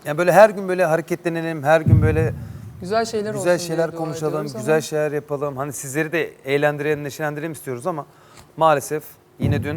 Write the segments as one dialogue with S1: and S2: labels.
S1: Yani böyle her gün böyle hareketlenelim, her gün böyle
S2: Güzel şeyler
S1: güzel
S2: olsun
S1: şeyler
S2: diye dua
S1: konuşalım,
S2: ediyoruz
S1: güzel
S2: ama
S1: şeyler yapalım. Hani sizleri de eğlendirelim, neşelendirelim istiyoruz ama maalesef yine dün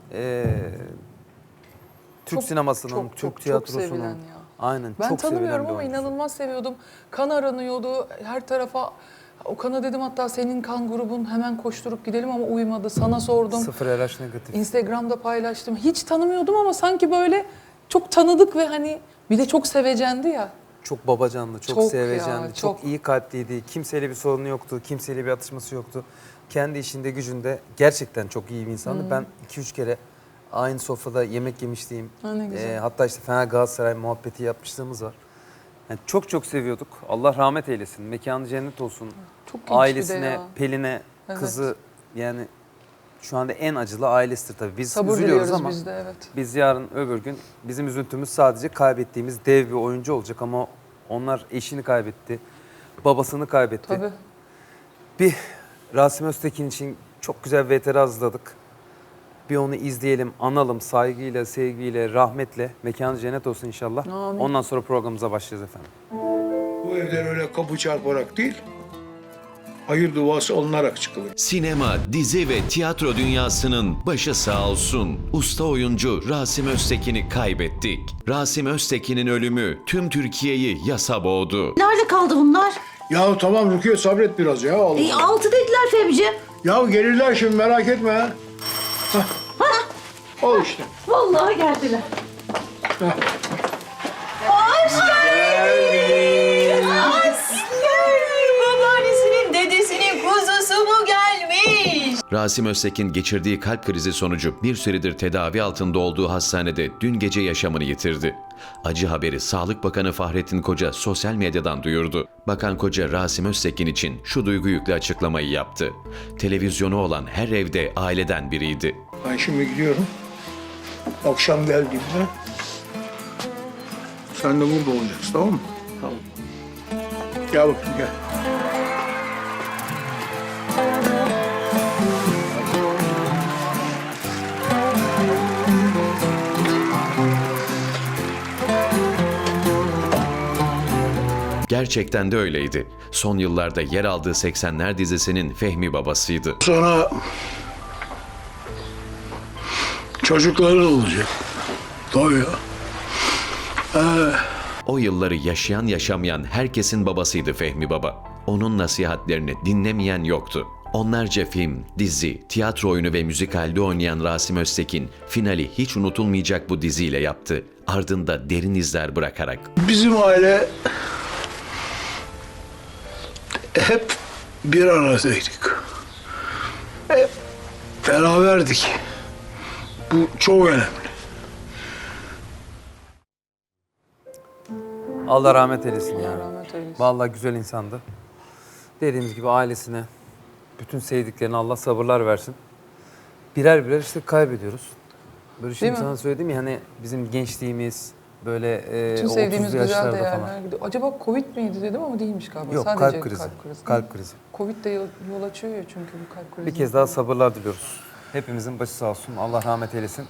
S1: Türk sinemasının, Türk
S2: çok
S1: tiyatrosunun
S2: sevilen ya.
S1: aynen
S2: Ben
S1: çok sevilen
S2: tanımıyorum
S1: bir
S2: ama
S1: oyuncusu.
S2: inanılmaz seviyordum. Kan aranıyordu her tarafa. Okan'a dedim hatta senin kan grubun hemen koşturup gidelim ama uymadı. Sana sordum.
S1: Sıfır RH negatif.
S2: Instagram'da paylaştım. Hiç tanımıyordum ama sanki böyle çok tanıdık ve hani bir de çok sevecendi ya.
S1: Çok babacanlı, çok
S2: Çok
S1: sevecendi,
S2: ya,
S1: çok
S2: çok.
S1: iyi kalpliydi. Kimseyle bir sorunu yoktu, kimseyle bir atışması yoktu. Kendi işinde, gücünde gerçekten çok iyi bir insandı. Ben 2-3 kere aynı sofrada yemek yemişliğim.
S2: Ha, ne güzel.
S1: Hatta işte Fener Galatasaray muhabbeti yapmışlığımız var. Yani çok çok seviyorduk. Allah rahmet eylesin. Mekanı cennet olsun.
S2: Çok genç bir de
S1: Ailesine,
S2: ya.
S1: Pelin'e,
S2: Evet.
S1: kızı yani şu anda en acılı ailesidir tabii. Biz
S2: Sabır
S1: üzülüyoruz
S2: diliyoruz
S1: ama
S2: biz de, evet.
S1: biz yarın öbür gün bizim üzüntümüz sadece kaybettiğimiz dev bir oyuncu olacak ama onlar eşini kaybetti, babasını kaybetti.
S2: Tabii.
S1: Bir Rasim Öztekin için çok güzel bir VTR hazırladık. Bir onu izleyelim, analım saygıyla, sevgiyle, rahmetle. Mekanı cennet olsun inşallah.
S2: Amin.
S1: Ondan sonra programımıza başlayacağız efendim.
S3: Bu evden öyle kapı çarparak değil, hayır duası alınarak çıkılır.
S4: Sinema, dizi ve tiyatro dünyasının başı sağ olsun. Usta oyuncu Rasim Öztekin'i kaybettik. Rasim Öztekin'in ölümü tüm Türkiye'yi yasa boğdu.
S5: Nerede kaldı bunlar?
S3: Ya tamam Rukiye sabret biraz ya. Allah.
S5: 6 dediler Fehmi'ciğim.
S3: Ya gelirler şimdi merak etme ha. Hah. Ol işte.
S5: Vallahi geldiler.
S6: Babaannesinin dedesinin kuzusu mu gelmiş?
S4: Rasim Öztekin geçirdiği kalp krizi sonucu bir süredir tedavi altında olduğu hastanede dün gece yaşamını yitirdi. Acı haberi Sağlık Bakanı Fahrettin Koca sosyal medyadan duyurdu. Bakan Koca Rasim Öztekin için şu duygu yüklü açıklamayı yaptı. Televizyonu olan her evde aileden biriydi.
S3: Ben şimdi gidiyorum. Akşam geldiğimde sen de burada olacaksın, tamam mı? Tamam. Gel bakayım gel.
S4: Gerçekten de öyleydi. Son yıllarda yer aldığı 80'ler dizisinin Fehmi babasıydı.
S3: Sonra çocukların olacak. Tabii ya.
S4: O yılları yaşayan yaşamayan herkesin babasıydı Fehmi Baba. Onun nasihatlerini dinlemeyen yoktu. Onlarca film, dizi, tiyatro oyunu ve müzikalde oynayan Rasim Öztekin finali hiç unutulmayacak bu diziyle yaptı. Ardında derin izler bırakarak.
S3: Bizim aile hep bir aradaydık. Hep beraberdik. Bu çok önemli.
S1: Allah rahmet eylesin ya.
S2: rahmet eylesin.
S1: Vallahi güzel insandı. Dediğimiz gibi ailesine, bütün sevdiklerine Allah sabırlar versin. Birer birer işte kaybediyoruz. Böyle şimdi
S2: mi?
S1: sana söyledim ya hani bizim gençliğimiz böyle
S2: Tüm
S1: 30'lu
S2: sevdiğimiz güzel
S1: yaşlarda
S2: değerler
S1: falan.
S2: gidiyor. Acaba Covid miydi dedim ama değilmiş galiba.
S1: Yok
S2: Sadece
S1: kalp krizi.
S2: Kalp krizi.
S1: Kalp krizi.
S2: Covid de yol açıyor ya çünkü bu kalp krizi.
S1: Bir kez daha sabırlar diliyoruz. Hepimizin başı sağ olsun. Allah rahmet eylesin.